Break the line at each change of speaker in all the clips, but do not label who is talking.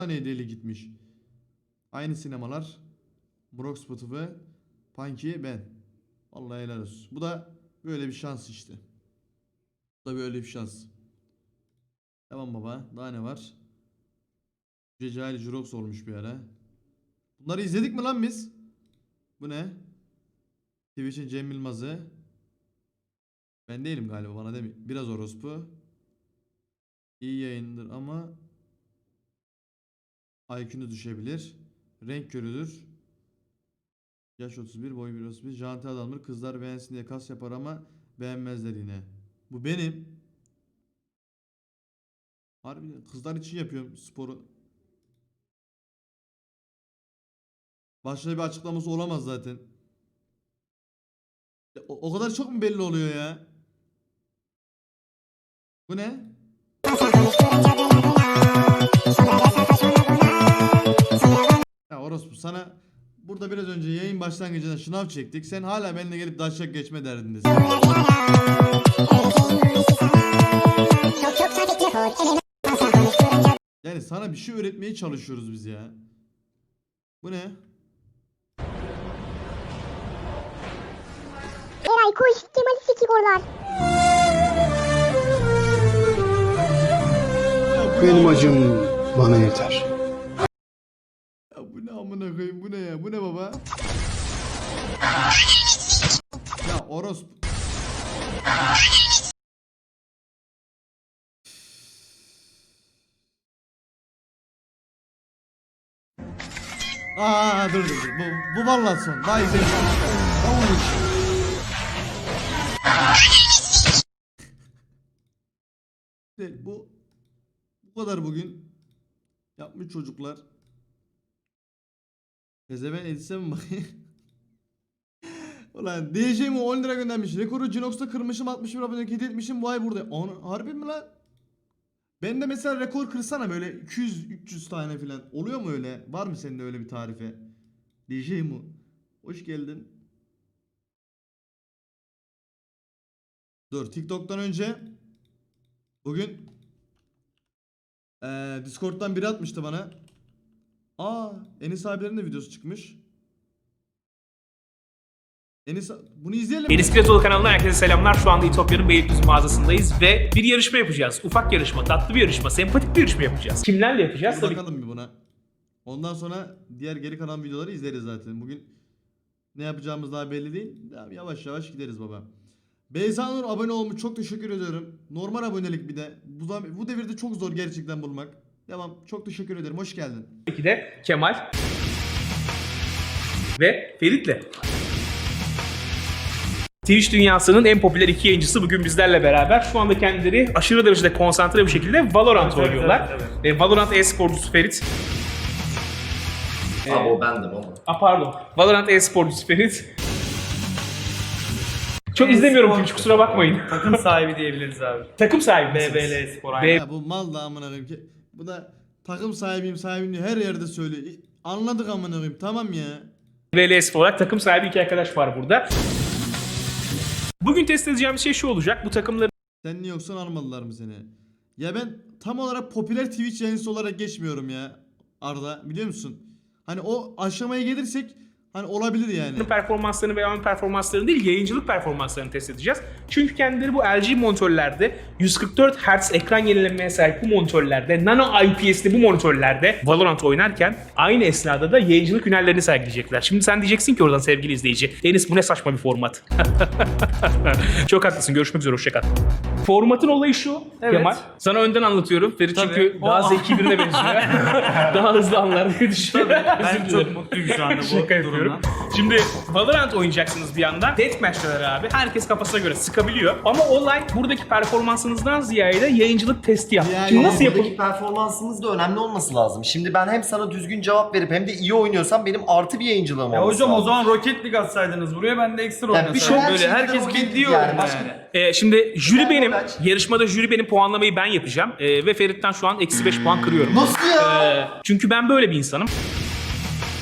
tane deli gitmiş. Aynı sinemalar. Brock Spotify, Punky, ben. Vallahi helal olsun. Bu da böyle bir şans işte. Bu da böyle bir şans. Tamam baba. Daha ne var? Cecali Jurox olmuş bir ara. Bunları izledik mi lan biz? Bu ne? Twitch'in Cem Yılmaz'ı. Ben değilim galiba, bana demi. Biraz orospu. İyi yayındır ama IQ'nu düşebilir. Renk körüdür. Yaş 31, boy 1.31. Janti adamdır. Kızlar beğensin diye kas yapar ama beğenmezler yine. Bu benim. Harbiden kızlar için yapıyorum sporu. Başka bir açıklaması olamaz zaten. O kadar çok mu belli oluyor ya? Bu ne? Ya orospu, sana burada biraz önce yayın başlangıcında şınav çektik. Sen hala benimle gelip daşak geçme derdindesin. Yani sana bir şey öğretmeye çalışıyoruz biz ya. Bu ne?
Eray koş, Kemal'i sikiyorlar.
Benim acım bana yeter.
Ya bu ne amına koyayım, bu ne ya? Bu ne baba? Ya orospu. Dur. Bu vallahi son. Daha izleyelim. Bu kadar bugün yapmış çocuklar. Pezeven edise mi bakayım? Ulan DJ'mi 10 lira göndermiş. Rekoru Cinox'ta kırmışım, 61 abonelik hediye etmişim. Bu ay burada. Harbi mi lan? Ben de mesela rekor kırsana böyle 200-300 tane falan. Oluyor mu öyle? Var mı senin de öyle bir tarife? DJ mu? Hoş geldin. Dur, TikTok'tan önce bugün Discord'dan biri atmıştı bana. Enis abilerin de videosu çıkmış. Bunu izleyelim mi?
Enis Piratoğlu kanalından herkese selamlar. Şu anda İtopya'nın Beylikdüzü mağazasındayız ve bir yarışma yapacağız. Ufak yarışma, tatlı bir yarışma, sempatik bir yarışma yapacağız. Kimlerle yapacağız?
Bir bakalım bir buna. Ondan sonra diğer geri kalan videoları izleriz zaten. Bugün ne yapacağımız daha belli değil. Yavaş yavaş gideriz baba. Beyza Nur abone olmuş. Çok teşekkür ediyorum. Normal abonelik bir de. Bu devirde çok zor gerçekten bulmak. Devam. Çok teşekkür ederim. Hoş geldin.
Tabii de Kemal ve Ferit'le. Twitch dünyasının en popüler iki yayıncısı bugün bizlerle beraber. Şu anda kendileri aşırı derecede konsantre bir şekilde Valorant oynuyorlar. Evet. Valorant e-sporcusu Ferit.
Abi o bendim ama.
Pardon. Valorant e-sporcusu Ferit. Çok izlemiyorum Twitch, kusura bakmayın.
Takım sahibi diyebiliriz abi.
Takım sahibi misiniz?
BBL Spor aynen.
Ya bu mal da amına koyayım ki. Bu da takım sahibiyim diye her yerde söylüyor. Anladık amına koyayım. Tamam ya.
BBL Spor olarak takım sahibi iki arkadaş var burada. Bugün test edeceğimiz şey şu olacak. Bu takımların
Sen niye yoksan almadılar mı seni? Ya ben tam olarak popüler Twitch yayıncısı olarak geçmiyorum ya Arda, biliyor musun? Hani o aşamaya gelirsek hani olabilir yani.
performanslarını veya ön performanslarını değil, yayıncılık performanslarını test edeceğiz. Çünkü kendileri bu LG monitörlerde 144 Hz ekran yenilemeye sahip bu monitörlerde, nano IPS'li bu monitörlerde Valorant oynarken aynı esnada da yayıncılık hünerlerini sergileyecekler. Şimdi sen diyeceksin ki oradan sevgili izleyici, Enis bu ne saçma bir format. Çok haklısın, görüşmek üzere, hoşça kal. Formatın olayı şu, evet. Kemal. Sana önden anlatıyorum. Ferit çünkü daha zeki birine benziyor. Daha hızlı anlar diye düşünüyorum.
Ben çok mutluyum şu anda bu durumdan.
Şimdi Valorant oynayacaksınız bir yandan. Deathmatch'ler abi. Herkes kafasına göre sıkabiliyor. Ama olay buradaki performansınızdan ziyade yayıncılık testi yap.
Yani
Şimdi nasıl yapılır?
Buradaki performansımız da önemli olması lazım. Şimdi ben hem sana düzgün cevap verip hem de iyi oynuyorsam benim artı bir yayıncılığım
Ya
olması
hocam
lazım.
o zaman Rocket League atsaydınız buraya, ben de ekstra
Yani bir şey
oynasaydım.
her
Böyle
şeyde
herkes
Rocket League
biliyor
yani.
yani.
Şimdi jüri
Yani
benim.
Rocket.
Yarışmada jüri benim, puanlamayı ben yapacağım. Ve Ferit'ten şu an -5 puan kırıyorum.
Nasıl ya?
Çünkü ben böyle bir insanım.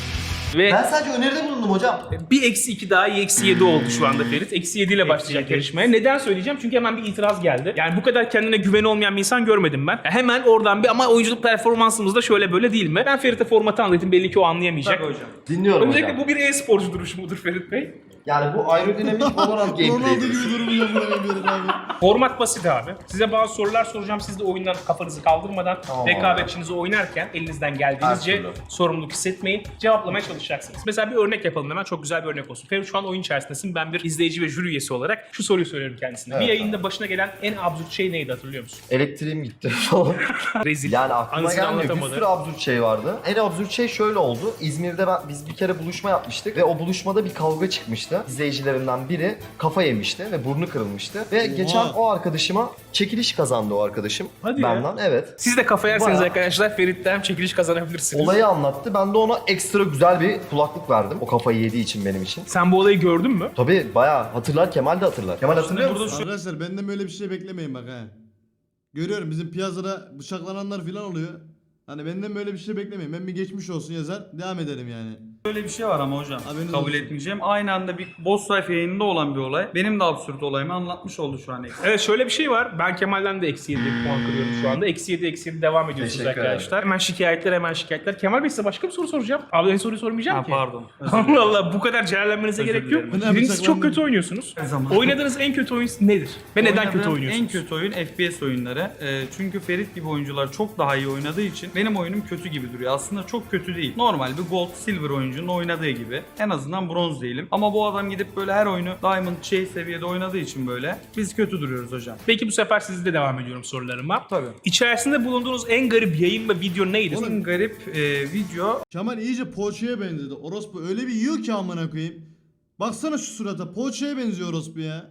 Ve
Ben sadece öneride bulundum hocam.
bir -2 daha iyi -7 oldu şu anda Ferit. -7 ile başlayacak yarışmaya. Neden söyleyeceğim? Çünkü hemen bir itiraz geldi. Yani bu kadar kendine güveni olmayan bir insan görmedim ben. Ya hemen oradan bir ama oyunculuk performansımız da şöyle böyle değil mi? Ben Ferit'e formatı anlatayım. Belli ki o anlayamayacak.
Tabii hocam.
Dinliyorum
Öncelikle
hocam.
bu bir e-sporcu duruşu mudur Ferit Bey?
Yani bu aerodinamik Valorant
Ronaldo
gameplay'dir.
gibi durmuyor buraya abi.
Format basit abi. Size bazı sorular soracağım. Siz de oyundan kafanızı kaldırmadan
Tamam
rekabetçinizi oynarken elinizden geldiğinizce
Her türlü.
sorumluluk hissetmeyin. Cevaplamaya çalışacaksınız. Mesela bir örnek yapalım hemen. Çok güzel bir örnek olsun. Ferit şu an oyun içerisindesin. Ben bir izleyici ve jüri üyesi olarak şu soruyu soruyorum kendisine.
Evet,
bir yayında başına gelen en absürt şey neydi hatırlıyor musun?
Elektriğim gitti falan.
Rezil.
Yani aklıma
Anısını
gelmiyor. Bir
anlatamadı.
sürü absürt şey vardı. En absürt şey şöyle oldu. İzmir'de biz bir kere buluşma yapmıştık ve o buluşmada bir kavga çıkmıştı. İzleyicilerimden biri kafa yemişti ve burnu kırılmıştı. Ve geçen o arkadaşıma çekiliş kazandı o arkadaşım.
Hadi ya.
benden. Evet.
Siz de kafa yerseniz
Bayağı-
arkadaşlar Ferit'ten çekiliş kazanabilirsiniz.
Olayı anlattı. Ben de ona ekstra güzel bir kulaklık verdim. O kafayı yediği için benim için.
Sen bu olayı gördün mü?
Tabii bayağı hatırlar. Kemal de hatırlar. Kemal hatırlıyor
burada
musun?
Arkadaşlar benden böyle bir şey beklemeyin bak ha. Görüyorum bizim piyasada bıçaklananlar falan oluyor. Hani benden böyle bir şey beklemeyin. Ben bir geçmiş olsun yazar devam ederim yani.
Böyle bir şey var ama hocam.
Haberiniz
Kabul
olsun.
etmeyeceğim. Aynı anda bir boss life yayınında olan bir olay. Benim de absürt olayımı anlatmış oldu şu an.
Evet şöyle bir şey var. Ben Kemal'den de -7 puan kırıyorum şu anda. -7 devam ediyorsunuz
Teşekkür
arkadaşlar. Hemen şikayetler. Kemal Bey size başka bir soru soracağım. Abi en soruyu sormayacağım
Ha
ki.
pardon.
Allah Allah bu kadar celallenmenize
Özür
gerek yok.
dilerim.
Ben
Birincisi çok
bıçaklandım.
kötü oynuyorsunuz.
Her zaman.
Oynadığınız en kötü oyun nedir? Ve neden kötü
Oynadığım
oynuyorsunuz?
En kötü oyun FPS oyunları. Çünkü Ferit gibi oyuncular çok daha iyi oynadığı için benim oyunum kötü gibi duruyor. Aslında çok kötü değil. Normal bir gold, silver oyuncunun oynadığı gibi. En azından bronz değilim. Ama bu adam gidip böyle her oyunu diamond seviyede oynadığı için böyle biz kötü duruyoruz hocam.
Peki bu sefer sizde devam ediyorum sorularıma.
Tabii.
İçerisinde bulunduğunuz en garip yayın ve video neydi?
En garip video
Kemal iyice poğaçaya benzedi. Orospu öyle bir yiyor ki amına koyayım. Baksana şu surata. Poğaçaya benziyor orospu ya.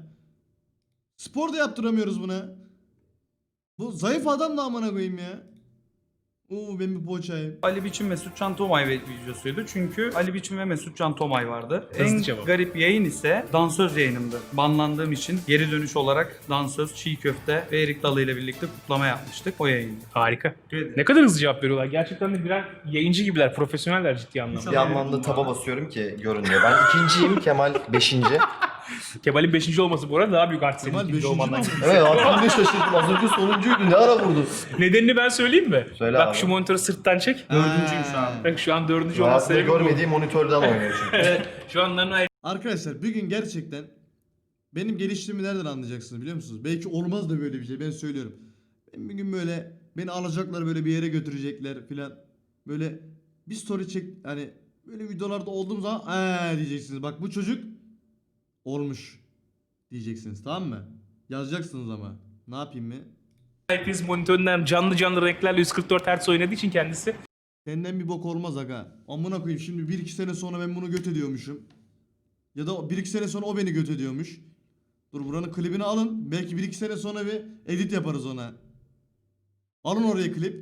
Spor da yaptıramıyoruz buna. Bu zayıf adam da amına koyayım ya. Oo ben bir poğaçayım.
Ali Biçim Mesut Can Tomay videosuydu. Çünkü Ali Biçim ve Mesut Can Tomay vardı.
Hızlı
En
cevap.
garip yayın ise dansöz yayınımdı. Banlandığım için geri dönüş olarak dansöz, çiğ köfte ve erik dalı ile birlikte kutlama yapmıştık. O yayın.
Harika.
Evet.
Ne kadar hızlı cevap veriyorlar. Gerçekten de birer yayıncı gibiler, profesyoneller ciddi anlamda.
Bir yandan da taba basıyorum ki görünüyor. Ben ikinciyim, Kemal beşinci.
Kemal'in 5. olması bu arada daha büyük artı senin
Kemal
ikinci
beşinci
olmandan.
mi?
Evet aklımda ne şaşırdım. Az önce sonuncuydu. Ne ara vurdu?
Nedenini ben söyleyeyim mi?
Söyle
Bak
abi.
şu monitörü sırttan çek.
Dördüncüyüm şu an.
Bak şu an 4. olması
Hayatımda
sebebi bu.
görmediğim monitörden oynuyor çünkü.
Evet, şu an Nano
Arkadaşlar bir gün gerçekten benim geliştiğimi nereden anlayacaksınız biliyor musunuz? Belki olmaz da böyle bir şey ben söylüyorum. Ben bir gün böyle beni alacaklar böyle bir yere götürecekler filan. Böyle bir story çek hani böyle videolarda olduğum zaman diyeceksiniz. Bak bu çocuk olmuş diyeceksiniz tamam mı? Yazacaksınız ama. Ne yapayım mı?
IPS monitöründen canlı renklerle 144 Hz oynadığı için kendisi.
Senden bir bok olmaz aga. Amına koyayım şimdi 1-2 sene sonra ben bunu göt ediyormuşum. Ya da 1-2 sene sonra o beni göt ediyormuş. Dur buranın klibini alın. Belki 1-2 sene sonra bir edit yaparız ona. Alın oraya klip.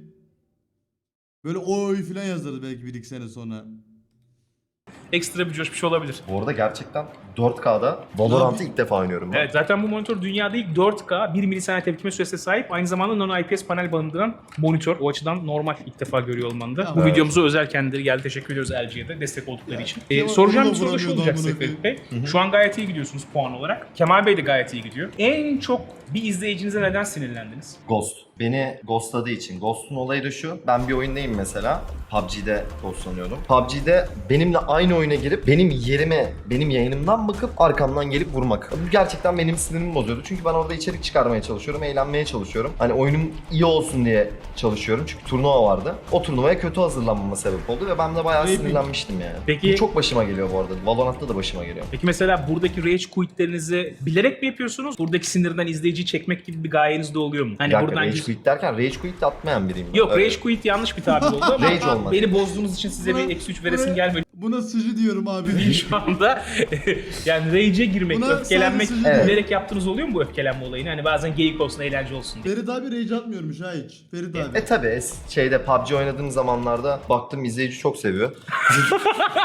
Böyle oy filan yazarız belki 1-2 sene sonra.
Ekstra bir coşmuş olabilir.
Bu arada gerçekten 4K'da Valorant'ı ilk defa oynuyorum ben.
Evet zaten bu monitör dünyada ilk 4K 1 milisaniye tepkime süresine sahip. Aynı zamanda Nano IPS panel barındıran monitör. O açıdan normal ilk defa görüyor olmanda.
Ya,
Bu
evet.
videomuza özel kendileri geldi. Teşekkür ediyoruz LG'ye de destek oldukları için.
Kemal
Soracağım
onu
bir
da
soru da şu
vuramıyordu
olacak
amına
Seyfet Bey. Şu an gayet iyi gidiyorsunuz puan olarak. Kemal Bey de gayet iyi gidiyor. En çok bir izleyicinize neden sinirlendiniz?
Ghost. Beni ghostladığı için. Ghost'un olayı da şu. Ben bir oyundayım mesela. PUBG'de ghostlanıyordum. PUBG'de benimle aynı oyuna girip benim yerime, benim yayınımdan bakıp arkamdan gelip vurmak. Bu gerçekten benim sinirimi bozuyordu. Çünkü ben orada içerik çıkarmaya çalışıyorum, eğlenmeye çalışıyorum. Hani oyunum iyi olsun diye çalışıyorum. Çünkü turnuva vardı. O turnuvaya kötü hazırlanmama sebep oldu ve ben de bayağı
Peki-
sinirlenmiştim yani.
Peki-
Bu çok başıma geliyor bu arada. Valorant'ta da başıma geliyor.
Peki mesela buradaki rage quitlerinizi bilerek mi yapıyorsunuz? Buradaki sinirden izleyiciyi çekmek gibi bir gayeniz de oluyor mu? Hani
Bir dakika,
buradan
rage quit derken rage quit de atmayan biriyim. ben.
Yok
Öyle.
rage quit yanlış bir tabir oldu ama
Rage olmak.
beni bozduğunuz için size bir -3 veresim gelmiyor.
Buna sıcı diyorum abi.
Şu anda yani rage'e girmek,
Buna
öfkelenmek
sadece
Evet.
bilerek yaptığınız oluyor mu bu öfkelenme olayını? Hani bazen geyik olsun, eğlence olsun diye.
Ferit abi rage atmıyormuş ha hiç. Ferit abi.
Tabi şeyde PUBG oynadığım zamanlarda baktım izleyici çok seviyor.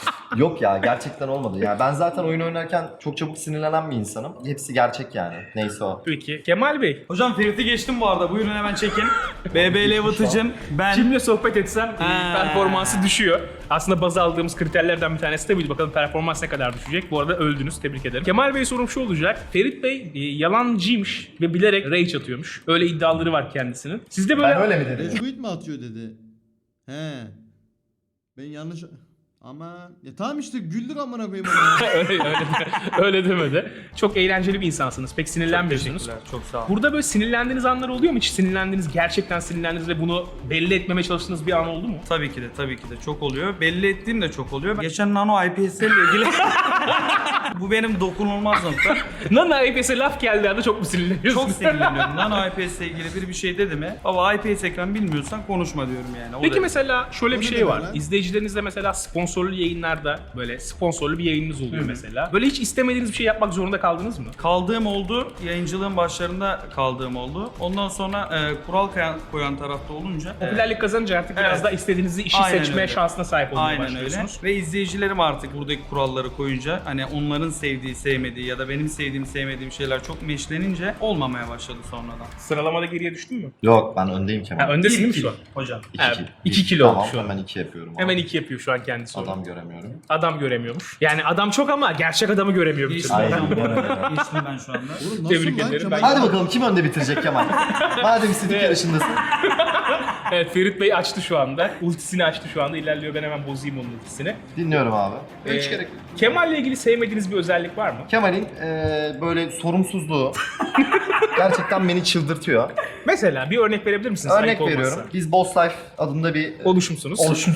Yok ya, gerçekten olmadı. Ya ben zaten oyun oynarken çok çabuk sinirlenen bir insanım. Hepsi gerçek yani. Neyse o.
Peki. Kemal Bey,
Hocam Ferit'i geçtim bu arada. Buyurun hemen çekin. BBL Vıtıcın. Ben.
kimle sohbet etsem
Ha.
performansı düşüyor. Aslında baz aldığımız kriterlerden bir tanesi de buydu. Bakalım performans ne kadar düşecek. Bu arada öldünüz. Tebrik ederim. Kemal Bey sorum şu olacak. Ferit Bey yalancıymış ve bilerek rage atıyormuş. Öyle iddiaları var kendisinin. Sizde böyle...
Ben öyle mi dedim?
Retweet mi atıyor dedi. He. Ben yanlış... Ama ya tamam işte güldük amına koyayım ona.
öyle demedi. Çok eğlenceli bir insansınız. Pek sinirlenmiyorsunuz.
Teşekkürler. Çok sağ olun.
Burada böyle sinirlendiğiniz anlar oluyor mu? Hiç sinirlendiniz, gerçekten sinirlendiniz ve bunu belli etmemeye çalıştığınız bir an oldu mu?
Tabii ki de çok oluyor. Belli ettiğim de çok oluyor. Geçen Nano IPS ile ilgili bu benim dokunulmaz nokta.
Nana IPS'e laf geldiği anda çok mu sinirleniyorsun?
Çok sinirleniyorum. Nano IPS ile ilgili bir şey dedi mi? Baba IPS ekran bilmiyorsan konuşma diyorum yani. O
Peki
derece.
mesela şöyle bir
O ne
şey
demek
var.
lan?
İzleyicilerinizle mesela sponsorlu yayınlarda böyle sponsorlu bir yayınınız oluyor mesela. Böyle hiç istemediğiniz bir şey yapmak zorunda kaldınız mı?
Kaldığım oldu. Yayıncılığın başlarında kaldığım oldu. Ondan sonra kural koyan tarafta olunca
Popülerlik kazanınca artık
Evet.
biraz daha istediğiniz işi
Aynen
seçme
öyle.
şansına sahip olmaya
aynen öyle.
başlıyorsunuz.
Ve izleyicilerim artık buradaki kuralları koyunca hani onların sevdiği, sevmediği ya da benim sevdiğim, sevmediğim şeyler çok meşlenince olmamaya başladı sonradan.
Sıralamada geriye düştün mü?
Yok, ben öndeyim Kemal.
Ha, öndesin değil mi
İki
şu an?
hocam.
2 kilo
Tamam,
oldu şu an.
hemen 2 yapıyorum.
Hemen
abi.
2 yapıyor şu an kendisi.
Adam göremiyorum.
Adam göremiyormuş. Yani adam çok ama gerçek adamı göremiyor bir türlü.
Aynen.
Geçtim ben şu anda.
Oğlum nasıl
Tebrik
lan
ederim.
Kemal?
Hadi bakalım kim önde bitirecek Kemal? Madem istedik
Evet.
yarışındasın.
Evet, Ferit Bey açtı şu anda. Ultisini açtı şu anda. İlerliyor, ben hemen bozayım onun ultisini.
Dinliyorum abi.
Ee, Kemal'le ilgili sevmediğiniz bir özellik var mı?
Kemal'in böyle sorumsuzluğu gerçekten beni çıldırtıyor.
Mesela bir örnek verebilir misiniz?
Örnek
Ayıp olmazsa.
veriyorum. Biz Boss Life adında bir
Oluşumsunuz.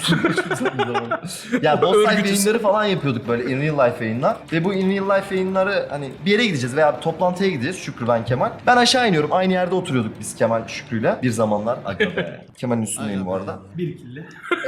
ya Boss Life
Örgütüz.
yayınları falan yapıyorduk böyle in real life yayınlar. Ve bu in real life yayınları hani bir yere gideceğiz veya bir toplantıya gideceğiz Şükrü, ben, Kemal. Ben aşağı iniyorum. Aynı yerde oturuyorduk biz Kemal Şükrü'yle bir zamanlar. Aga be. Kemal'in üstündeyim bu arada.
Bir killi.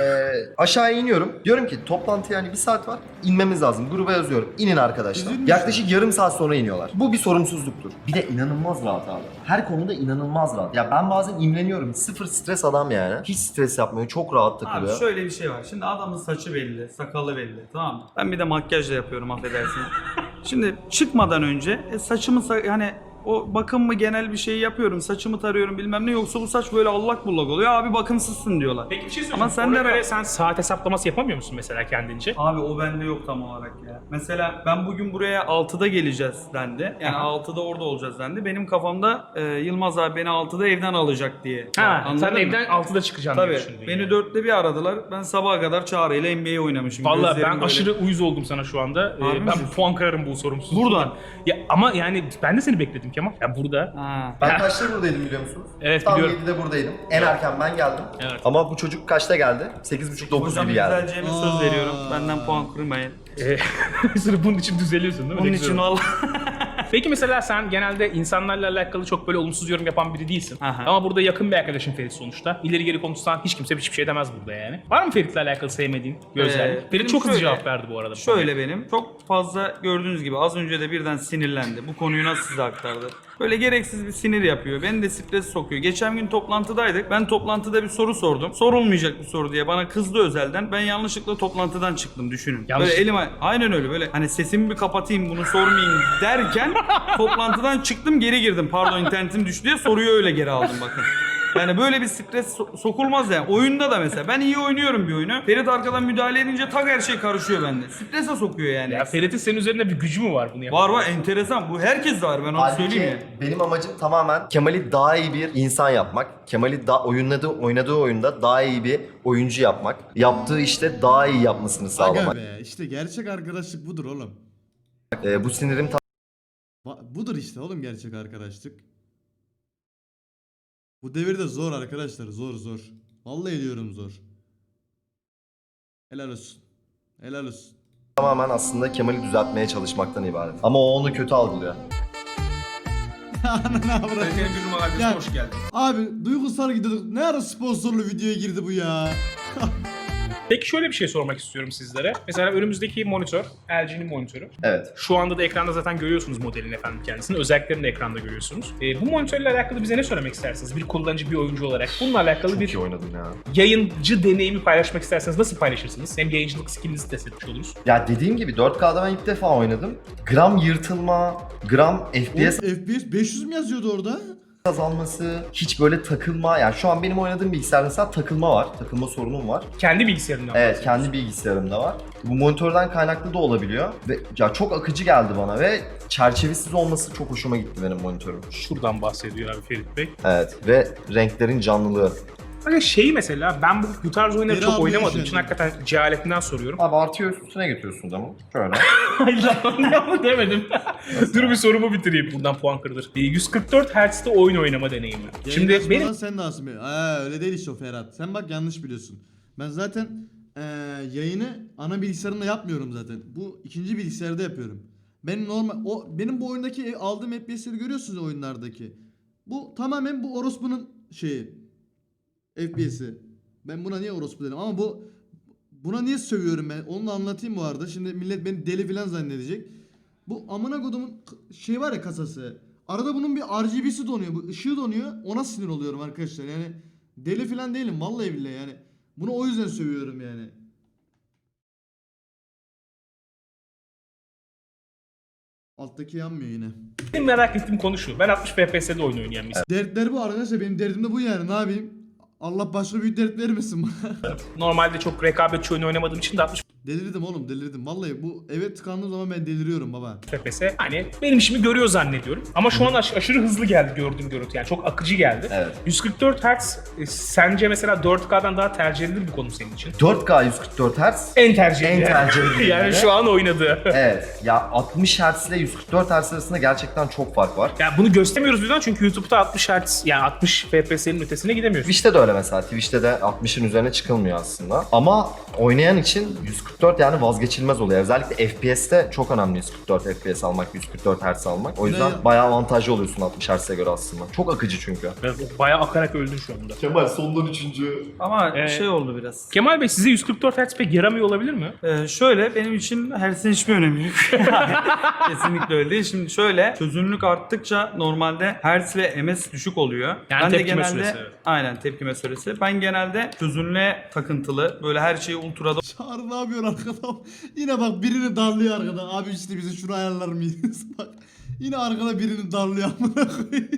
Aşağıya iniyorum. Diyorum ki toplantıya hani bir saat var. İnmemiz lazım. Gruba yazıyorum. İnin arkadaşlar.
Üzülmüş.
Yaklaşık yarım saat sonra iniyorlar. Bu bir sorumsuzluktur. Bir de inanılmaz rahat abi. Her konuda inanılmaz rahat. Ya ben bazen imreniyorum. Sıfır stres adam yani. Hiç stres yapmıyor. Çok rahat takılıyor.
Abi şöyle bir şey var. Şimdi adamın saçı belli, sakalı belli. Tamam mı? Ben bir de makyaj da yapıyorum, affedersiniz. Şimdi çıkmadan önce saçımı yani o bakım mı genel bir şey yapıyorum. Saçımı tarıyorum bilmem ne, yoksa bu saç böyle allak bullak oluyor. Abi bakımsızsın diyorlar.
Peki bir şey
Ama
söyleyeceğim.
sen
Ona
de
göre sen saat hesaplaması yapamıyor musun mesela kendince?
Abi o bende yok tam olarak ya. Mesela ben bugün buraya 6'da geleceğiz dendi. Yani
Aha.
6'da orada olacağız dendi. Benim kafamda Yılmaz abi beni 6'da evden alacak diye.
Ha,
Anladın
sen
mı?
evden 6'da çıkacaksın diye
Tabii.
düşündün
Beni
yani.
4'te bir aradılar. Ben sabaha kadar Çağrı'yla NBA oynamışım.
Vallahi
Gözlerim
ben
böyle.
aşırı uyuz oldum sana şu anda.
Harbi
Ben
misin?
bir puan kırarım bu sorumsuzluktan.
Buradan.
Ya ama yani ben de seni bekledim Kemal. Ya burada.
Ha.
Ben kaçta buradaydım biliyor musunuz?
Evet,
Tam
biliyorum.
7'de buradayım. En erken ben geldim.
Evet.
Ama bu çocuk kaçta geldi? 8.30-9
Hocam
gibi geldi.
güzelceğime söz veriyorum. Benden puan kırmayın.
Sırf bunun için düzeliyorsun değil mi?
Bunun
Ne
için
güzel.
valla.
Peki mesela sen genelde insanlarla alakalı çok böyle olumsuz yorum yapan biri değilsin.
Aha.
Ama burada yakın bir arkadaşın Ferit sonuçta. İleri geri konuşsan hiç kimse hiçbir şey demez burada yani. Var mı Ferit'le alakalı sevmediğin bir özellik? Ferit çok hızlı
şöyle-
cevap verdi bu arada.
Şöyle benim. Çok fazla gördüğünüz gibi az önce de birden sinirlendi. Bu konuyu nasıl size aktardı? Böyle gereksiz bir sinir yapıyor. Beni de stres sokuyor. Geçen gün toplantıdaydık. Ben toplantıda bir soru sordum. Sorulmayacak bir soru diye bana kızdı özelden. Ben yanlışlıkla toplantıdan çıktım, düşünün.
Yanlış.
Böyle elime aynen öyle böyle hani sesimi bir kapatayım bunu sormayayım derken toplantıdan çıktım, geri girdim. Pardon internetim düştü diye soruyu öyle geri aldım bakın. Yani böyle bir stres sokulmaz yani. Oyunda da mesela ben iyi oynuyorum bir oyunu. Ferit arkadan müdahale edince tak her şey karışıyor bende. Strese sokuyor yani.
Ya Ferit'in senin üzerinde bir gücü mü var bunu yapan?
Var var, enteresan. Bu herkes de var, ben onu söyleyeyim
Halbuki
ya.
benim amacım tamamen Kemal'i daha iyi bir insan yapmak. Kemal'i oynadığı oyunda daha iyi bir oyuncu yapmak. Yaptığı işte daha iyi yapmasını
Aga
sağlamak.
be işte gerçek arkadaşlık budur oğlum.
Bu sinirim
Budur işte oğlum gerçek arkadaşlık. Bu devirde zor arkadaşlar, zor. Vallahi diyorum zor. Helal olsun. Helal olsun.
tamamen aslında Kemal'i düzeltmeye çalışmaktan ibaret. Ama o onu kötü algılıyor.
Ananı avradım.
Senin bir numarayla
Ya-
hoş geldin.
Abi duygusal gidiyorduk. Ne ara sponsorlu videoya girdi bu ya?
Peki şöyle bir şey sormak istiyorum sizlere. Mesela önümüzdeki monitör, LG'nin monitörü.
Evet.
Şu anda da ekranda zaten görüyorsunuz modelin efendim kendisini. Özelliklerini de ekranda görüyorsunuz. Bu monitörle alakalı bize ne söylemek istersiniz? Bir kullanıcı, bir oyuncu olarak. Bununla alakalı
Çok
bir
iyi oynadım ya.
yayıncı deneyimi paylaşmak isterseniz nasıl paylaşırsınız? Hem yayıncılık skillinizi test etmiş oluruz.
Ya dediğim gibi 4K'da ben ilk defa oynadım. Gram yırtılma, gram FPS
FPS 500 mü yazıyordu orada?
azalması, hiç böyle takılma. Yani şu an benim oynadığım bilgisayarda mesela takılma var. Takılma sorunum var.
Kendi bilgisayarından.
Evet, kendi bilgisayarımda var. Bu monitörden kaynaklı da olabiliyor. Ve ya çok akıcı geldi bana ve çerçevesiz olması çok hoşuma gitti benim monitörüm.
Şuradan bahsediyor abi Ferit Bey.
Evet ve renklerin canlılığı.
Hani şeyi mesela ben bu tarz oyunları
Beni
çok
almıyor
oynamadığım
şu
için
an.
hakikaten cehaletinden soruyorum.
Abi artıyor üstüne getiriyorsunuz ama. Şöyle.
Hayır lan demedim. Dur bir sorumu bitireyim. Buradan puan kırılır. 144 Hz'de oyun oynama deneyimi. Şimdi benim
Sen de aslında. Öyle değil işte o Ferhat. Sen bak yanlış biliyorsun. Ben zaten yayını ana bilgisayarımda yapmıyorum zaten. Bu ikinci bilgisayarda yapıyorum. Benim bu oyundaki aldığım FPS'leri görüyorsunuz oyunlardaki. Bu tamamen bu orospunun şeyi. FPS'i. Ben buna niye orospu dedim ama buna niye sövüyorum ben? Onu da anlatayım bu arada. Şimdi millet beni deli falan zannedecek. Bu amına kodumun şey var ya kasası. Arada bunun bir RGB'si donuyor. Bu ışığı donuyor. Ona sinir oluyorum arkadaşlar. Yani deli falan değilim vallahi billahi yani. Bunu o yüzden sövüyorum yani. Alttaki yanmıyor yine.
benim merak ettiğim konu şu. Ben 60 FPS'de oyun oynayan bir insanım.
Dertler bu arkadaşlar. Benim derdim de bu yani. Ne yapayım? Allah başka büyük dert vermesin bana.
Normalde çok rekabetçi oyun oynamadığım için de 60
Delirdim oğlum delirdim. Vallahi bu eve tıkandığım zaman ben deliriyorum baba.
FPS hani benim işimi görüyor zannediyorum. Ama şu an aşırı hızlı geldi gördüğüm görüntü. Yani çok akıcı geldi.
Evet.
144 Hz sence mesela 4K'dan daha tercih edilir bir konu senin için?
4K 144 Hz.
En tercih edilir.
En tercih edilir.
Yani şu an oynadı.
Evet. Ya 60 Hz ile 144 Hz arasında gerçekten çok fark var.
Yani bunu göstermiyoruz birden çünkü YouTube'da 60 Hz yani 60 FPS'nin ötesine gidemiyorsun.
Twitch'te de öyle mesela. Twitch'te de 60'ın üzerine çıkılmıyor aslında. Ama oynayan için 144 yani vazgeçilmez oluyor. Özellikle FPS'te çok önemli 144 FPS almak, 144 Hz almak. O yüzden
Ya-
bayağı avantajlı oluyorsun 60 Hz'e göre aslında. Çok akıcı çünkü.
Evet, bayağı akarak öldün şu anda.
Kemal sondan 3.
Ama şey oldu biraz.
Kemal Bey size 144 Hz pek yaramıyor olabilir mi?
Şöyle benim için hertzin hiçbir önemi yok. Kesinlikle öyle değil. Şimdi şöyle çözünürlük arttıkça normalde hertz ve ms düşük oluyor.
Yani
ben de
tepkime
genelde
süresi, evet.
aynen tepkime süresi. Ben genelde çözünürlüğe takıntılı böyle her şeyi ultrada
Çağrı ne yapıyor arkada? Yine bak birini darlıyor arkada. Abi işte bize şunu ayarlar mıyız? Bak yine arkada birini darlıyor amına koyayım.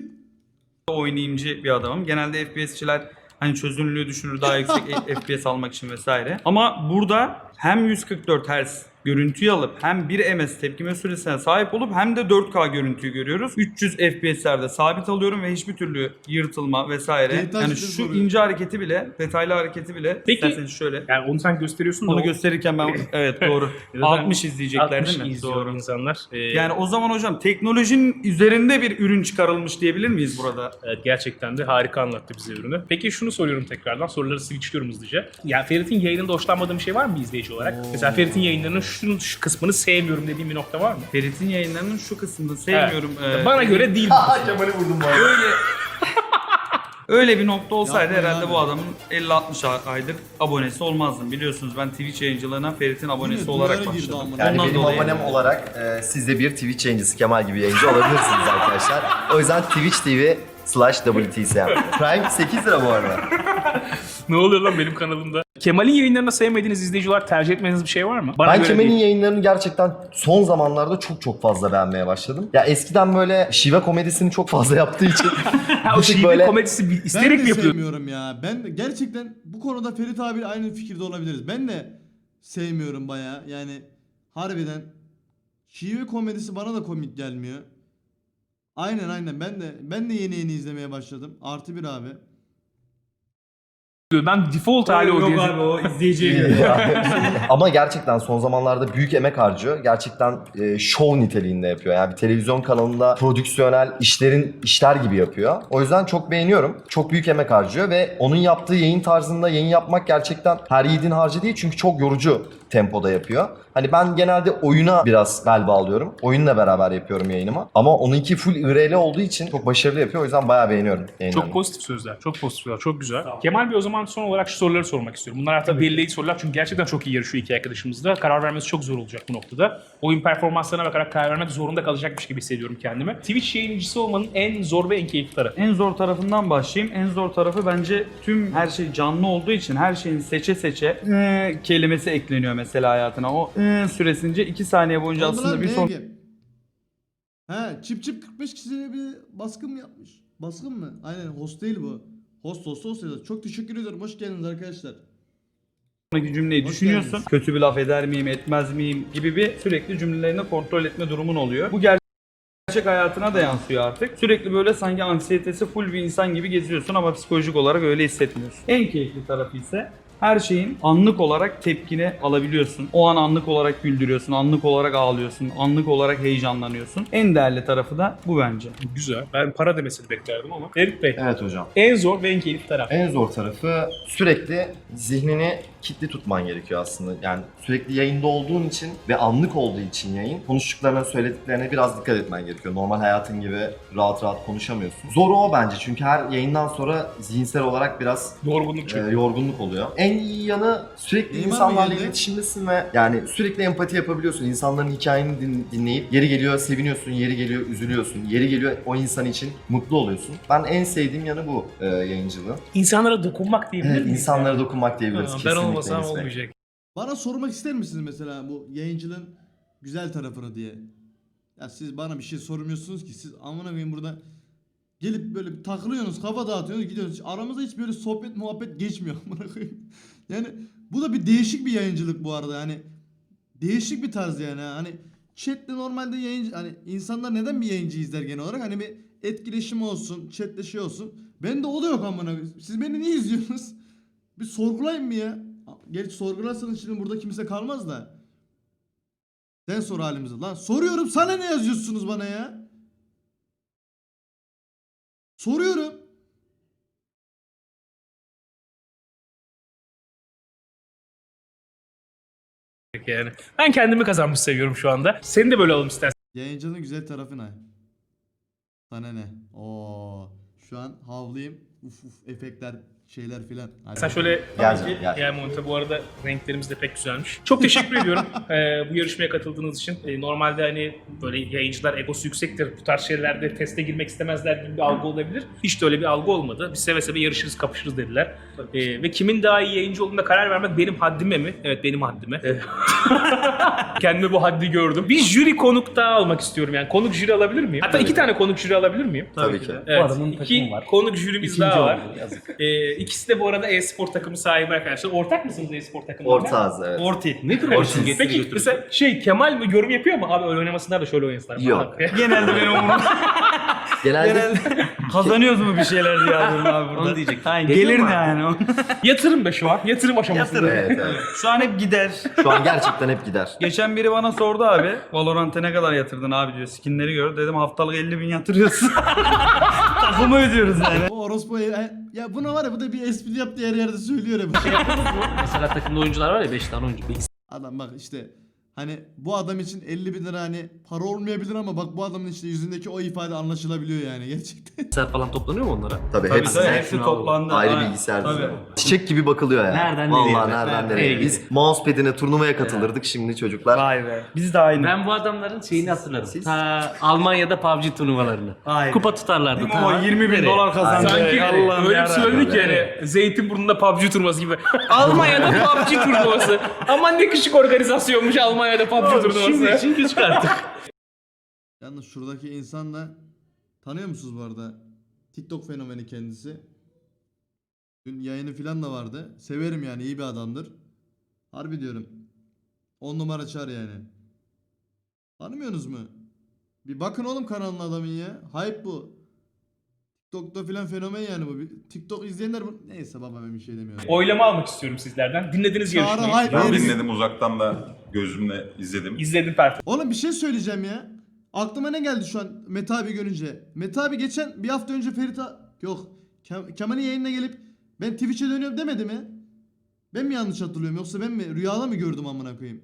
oynayımcı bir adamım. Genelde FPS'çiler hani çözünürlüğü düşürür daha yüksek FPS almak için vesaire. Ama burada hem 144 Hz görüntüyü alıp hem 1 ms tepkime süresine sahip olup hem de 4K görüntüyü görüyoruz. 300 FPS'lerde sabit alıyorum ve hiçbir türlü yırtılma vesaire.
Detay
Yani
işte
şu
soruyor.
ince hareketi bile, detaylı hareketi bile
Peki-
isterseniz şöyle.
Yani onu sen gösteriyorsun da
Onu
o-
gösterirken ben evet doğru.
Zaten
60 izleyecekler
60
değil mi?
izliyor
Doğru.
insanlar.
Yani o zaman hocam teknolojinin üzerinde bir ürün çıkarılmış diyebilir miyiz burada?
Evet, gerçekten de harika anlattı bize ürünü. Peki şunu soruyorum tekrardan. Soruları switchliyorum hızlıca. Ya Ferit'in yayınında hoşlanmadığın bir şey var mı bir izleyici olarak? Mesela Ferit'in yayınlarının şu kısmını sevmiyorum dediğim bir nokta var mı?
Ferit'in yayınlarının şu kısmını sevmiyorum.
Bana göre değil.
Kemal'i vurdum bana.
Öyle bir nokta olsaydı
Yapma
herhalde
yani.
bu adamın 50-60 aydır abonesi olmazdım. Biliyorsunuz ben Twitch yayıncılığına Ferit'in abonesi
Yine
olarak
dolara girdi
başladım.
amına.
Yani
Ondan
benim
dolayı-
abonem olarak siz de bir Twitch yayıncısı Kemal gibi yayıncı olabilirsiniz arkadaşlar. O yüzden Twitch TV/WTSM. Prime 8 lira bu arada.
Ne oluyor lan benim kanalımda? Kemal'in yayınlarında sevmediğiniz izleyici olarak tercih etmediğiniz bir şey var mı? Bana
Ben
göre
Kemal'in
değil.
yayınlarını gerçekten son zamanlarda çok fazla beğenmeye başladım. Ya eskiden böyle şive komedisini çok fazla yaptığı için
Ha, o
bir tık
şive
böyle
komedisi
Ben
isterek
de
mi yapıyor?
sevmiyorum ya. Ben de gerçekten bu konuda Ferit abi aynı fikirde olabiliriz. Ben de sevmiyorum baya. Yani harbiden şive komedisi bana da komik gelmiyor. Aynen ben de yeni izlemeye başladım. Artı bir abi.
Ben default hali o diye.
o izleyiciye
ama gerçekten son zamanlarda büyük emek harcıyor. Gerçekten show niteliğinde yapıyor. Yani bir televizyon kanalında prodüksiyonel işler gibi yapıyor. O yüzden çok beğeniyorum. Çok büyük emek harcıyor ve onun yaptığı yayın tarzında yayın yapmak gerçekten her yiğidin harcı değil. Çünkü çok yorucu tempoda yapıyor. Hani ben genelde oyuna biraz bel bağlıyorum. Oyunla beraber yapıyorum yayınımı. Ama onunki full IRL olduğu için çok başarılı yapıyor. O yüzden bayağı beğeniyorum yayınlarını.
Çok pozitif sözler. Çok pozitif sözler. Çok güzel. Kemal Bey o zaman zaman son olarak şu soruları sormak istiyorum. Bunlar artık belirleyici sorular çünkü gerçekten çok iyi yarışıyor iki arkadaşımız da. Karar vermesi çok zor olacak bu noktada. Oyun performanslarına bakarak karar vermek zorunda kalacakmış gibi hissediyorum kendimi. Twitch yayıncısı olmanın en zor ve en keyifli tarafı.
En zor tarafından başlayayım. En zor tarafı bence tüm her şey canlı olduğu için her şeyin seçe seçe kelimesi ekleniyor mesela hayatına. O süresince 2 saniye boyunca
Oldu
aslında
lan,
bir
ne
son
diyeyim? He, çip 45 kişiye bir baskın mı yapmış? Baskın mı? Aynen, host değil bu. Host yazıyor. Çok teşekkür ederim. Hoş geldiniz arkadaşlar.
sonraki cümleyi
Hoş
düşünüyorsun.
geldiniz.
Kötü bir laf eder miyim, etmez miyim gibi bir sürekli cümlelerini kontrol etme durumun oluyor. Bu gerçek hayatına da yansıyor artık. Sürekli böyle sanki anksiyetesi full bir insan gibi geziyorsun ama psikolojik olarak öyle hissetmiyorsun. En keyifli tarafı ise her şeyin anlık olarak tepkini alabiliyorsun. O an anlık olarak güldürüyorsun, anlık olarak ağlıyorsun, anlık olarak heyecanlanıyorsun. En değerli tarafı da bu bence.
Güzel. Ben para demesini beklerdim ama. Ferit Bey,
Evet hocam.
en zor ve en keyifli taraf.
En zor tarafı sürekli zihnini kilitli tutman gerekiyor aslında. Yani sürekli yayında olduğun için ve anlık olduğu için yayın, konuştuklarına, söylediklerine biraz dikkat etmen gerekiyor. Normal hayatın gibi rahat rahat konuşamıyorsun. Zoru o bence çünkü her yayından sonra zihinsel olarak biraz
Yorgunluk çünkü.
yorgunluk oluyor. En iyi yanı sürekli
Neymar mı
insanlarla
geldi?
iletişimdesin ve yani sürekli empati yapabiliyorsun. İnsanların hikayeni dinleyip yeri geliyor seviniyorsun, yeri geliyor üzülüyorsun, yeri geliyor o insan için mutlu oluyorsun. Ben en sevdiğim yanı bu yayıncılığın.
İnsanlara dokunmak diyebilir
Evet,
miyiz?
insanlara
yani?
dokunmak diyebiliriz.
Ha, ben
Kesinlikle
olmasam
Enes Bey.
olmayacak.
Bana sormak ister misiniz mesela bu yayıncılığın güzel tarafını diye? Ya siz bana bir şey sormuyorsunuz ki, siz amına koyayım burada gelip böyle bir takılıyorsunuz, kafa dağıtıyorsunuz, gidiyorsunuz. Aramızda hiç böyle sohbet muhabbet geçmiyor amına koyayım. Yani bu da bir değişik bir yayıncılık bu arada, yani değişik bir tarz yani. Hani chatle normalde yayıncı, hani insanlar neden bir yayıncı izler genel olarak, hani bir etkileşim olsun, chatle şey olsun. Bende o da yok amına koyayım. Siz beni niye izliyorsunuz? Bir sorgulayın mı ya? Gerçi sorgularsanız şimdi burada kimse kalmaz da. Sen sor halimize lan. Soruyorum, sana ne yazıyorsunuz bana ya? Soruyorum.
Yani. Ben kendimi kazanmış seviyorum şu anda. Seni de böyle alalım istersen.
Yayıncının güzel tarafı ne? Sana ne? Oo. Şu an havlayayım. Uf uf efektler, şeyler filan. Hadi.
Sen şöyle
Gel.
gel monte, bu arada renklerimiz de pek güzelmiş. Çok teşekkür ediyorum bu yarışmaya katıldığınız için. Normalde hani böyle yayıncılar egosu yüksektir. Bu tarz şeylerde teste girmek istemezler gibi bir algı olabilir. Hiç de öyle bir algı olmadı. Biz seve seve yarışırız, kapışırız dediler. Ve kimin daha iyi yayıncı olduğuna karar vermek benim haddime mi? Evet, benim haddime. Kendime bu haddi gördüm. Bir jüri konuk daha almak istiyorum yani. Konuk jüri alabilir miyim? Hatta 2 tane konuk jüri alabilir miyim?
Tabii ki.
Evet,
adamın
2
takımı var.
konuk jürimiz
İkinci
daha var.
oldu, yazık.
İkisi de bu arada e-spor takımı sahibi arkadaşlar. Ortak mısınız e-spor takımında?
Ortağız evet.
Orti.
Nedir
Ortiz.
o?
Peki mesela Kemal mi yorum yapıyor mu? Abi öyle oynamasınlar da şöyle oynasınlar.
Yok.
Genelde benim umurumda.
Genelde
Kazanıyoruz mu bir şeyler diye yazıyorum abi burada.
Onu diyecek.
Aynen,
Geliyor
gelir
mu
ne
abi?
yani?
Yatırım be şu an. Yatırım aşamasında.
evet, evet.
Şu an hep gider.
Şu an gerçekten hep gider.
Geçen biri bana sordu abi. Valorant'a ne kadar yatırdın abi diyor. Skinleri gör. Dedim haftalık 50.000 yatırıyorsun. Takımı ödüyoruz yani.
O orospu ya buna var ya, bu da bir espri yaptığı her yerde söylüyor ya.
Mesela takımda oyuncular var ya 5 tane oyuncu.
Adam bak işte, hani bu adam için 50 bin lira hani para olmayabilir ama bak bu adamın işte yüzündeki o ifade anlaşılabiliyor yani gerçekten.
Bilgisayar falan toplanıyor mu onlara?
Tabii
Tabii
hepsi.
tabii hepsi toplandı.
Ayrı
Aynen.
bilgisayar
Tabii.
düzeni. Çiçek gibi bakılıyor yani.
Nereden
Vallahi
nereye?
nereden
Nereye
nereye.
gidiyor?
Biz mousepad'ine turnuvaya katılırdık, şimdi çocuklar.
Vay be. Biz de aynı.
Ben bu adamların şeyini hatırlarım.
siz?
Ta Almanya'da PUBG turnuvalarını.
Aynen.
Kupa tutarlardı.
Değil mi o 20.000 dolar kazandı.
Sanki
Allah'ım
öyle bir
yarabbim.
söyledik yani. Zeytinburnu'nda PUBG turnuvası gibi. Almanya'da PUBG turnuvası. Aman ne küçük organizasyonmuş Almanya'da PUBG turnuvası.
Şimdi için küçük artık.
Yalnız şuradaki insan da, tanıyor musunuz bu arada? TikTok fenomeni kendisi. Dün yayını falan da vardı. Severim yani, iyi bir adamdır. Harbi diyorum. 10 numara çar yani. Tanımıyorsunuz mu? Bir bakın oğlum kanalın adamın ya. Hype bu. TikTok'ta filan fenomen yani bu. TikTok izleyenler bu. Neyse baba, ben bir şey demiyorum.
Oylama almak istiyorum sizlerden. Dinlediniz
Çağrı
yarışmayı.
hype
Ben
herif.
dinledim uzaktan da gözümle izledim.
İzledim performansı.
Oğlum bir şey söyleyeceğim ya. Aklıma ne geldi şu an Mete abi görünce? Mete abi geçen bir hafta önce yok. Kemal'in yayınına gelip ben Twitch'e dönüyorum demedi mi? Ben mi yanlış hatırlıyorum, yoksa ben mi rüyada mı gördüm amına koyayım?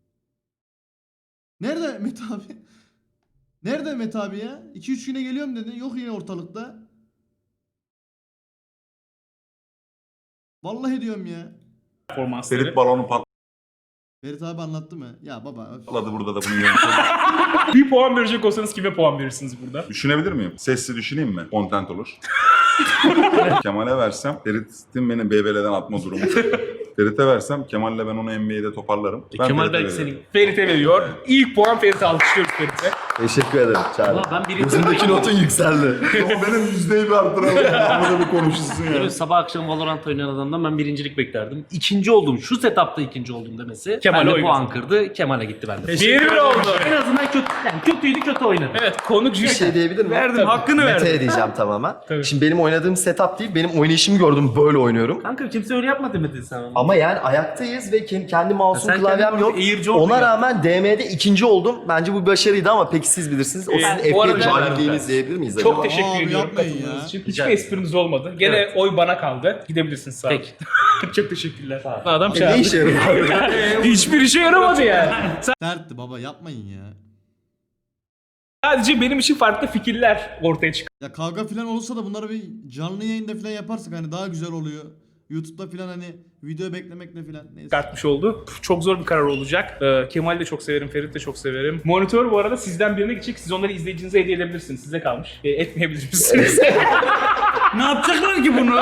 Nerede Mete abi? Nerede Mete abi ya? 2-3 güne geliyorum dedi. Yok yine ortalıkta. Vallahi diyorum ya.
performansları.
Ferit balonu
Ferit abi anlattı mı? Ya baba öf.
patladı burada da bunu yönetiyor.
Bir puan verecek olsanız kime puan verirsiniz burada?
Düşünebilir miyim? Sesli düşüneyim mi? Content olur. Kemal'e versem Ferit'in beni BBL'den atma durumu. Ferit'e versem Kemal'le ben onu NBA'de toparlarım. Ben
Kemal
Ferit'e
belki
veririm.
senin.
Ferit'e veriyor. İlk puan Ferit'e alkışlıyoruz Ferit'e.
Teşekkür ederim Çağrı.
Valla ben birinci
Gözümdeki notun yükseldi.
Ama benim yüzdeyi bir arttıralım. Burada bir konuşulsun ya.
Böyle sabah akşam Valorant oynayan adamdan ben birincilik beklerdim. İkinci oldum. Şu setupta ikinci oldum demesi.
Kemal'e
Kemal'e
oy
puan kırdı. Kemal'e gitti bende.
1-1 oldu.
En azından kötü, yani kötüydü kötü oynadı.
Evet, konuk
Bir
jüri.
şey diyebilir miyim?
Verdim, hakkını verdim.
Mete diyeceğim tamamen.
Tabii.
Şimdi benim oynadığım setup değil, benim oynayışımı gördüm, böyle oynuyorum.
Kanka kimse öyle yapma demedin sen ama.
Ama yani ayaktayız ve kendi mouse'um,
sen
klavyem
kendin
yok.
eğirci oldun
Ona
ya.
rağmen DM'de ikinci oldum. Bence bu bir başarıydı ama peki siz bilirsiniz. O sizin
bu arada-
F1 cahilliğiniz diyebilir miyiz acaba?
Çok teşekkür
Abi
ediyorum
yapmayın
katıldığınız
ya.
için.
Rica
Hiçbir espriniz olmadı. Gene
Evet.
oy bana kaldı. Gidebilirsiniz sağ olun.
Peki.
Çok teşekkürler.
Sağ ol.
Adam
Ne
çağırdı.
işe yarıyor?
Hiçbir işe yaramadı yani.
Dertti baba yapmayın ya.
Sadece benim için farklı fikirler ortaya çıktı.
Ya kavga falan olursa da bunları bir canlı yayında falan yaparsak hani daha güzel oluyor. YouTube'da falan hani video beklemekle falan neyse.
Çıkartmış oldu. Çok zor bir karar olacak. Kemal'i de çok severim, Ferit de çok severim. Monitör bu arada sizden birine gidecek. Siz onları izleyicinize hediye edebilirsiniz. Size kalmış. Etmeyebilirsiniz.
Ne yapacaklar ki bunu?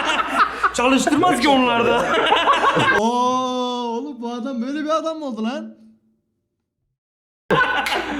Çalıştırmaz ki onlar da.
Oo oğlum bu adam böyle bir adam mı oldu lan?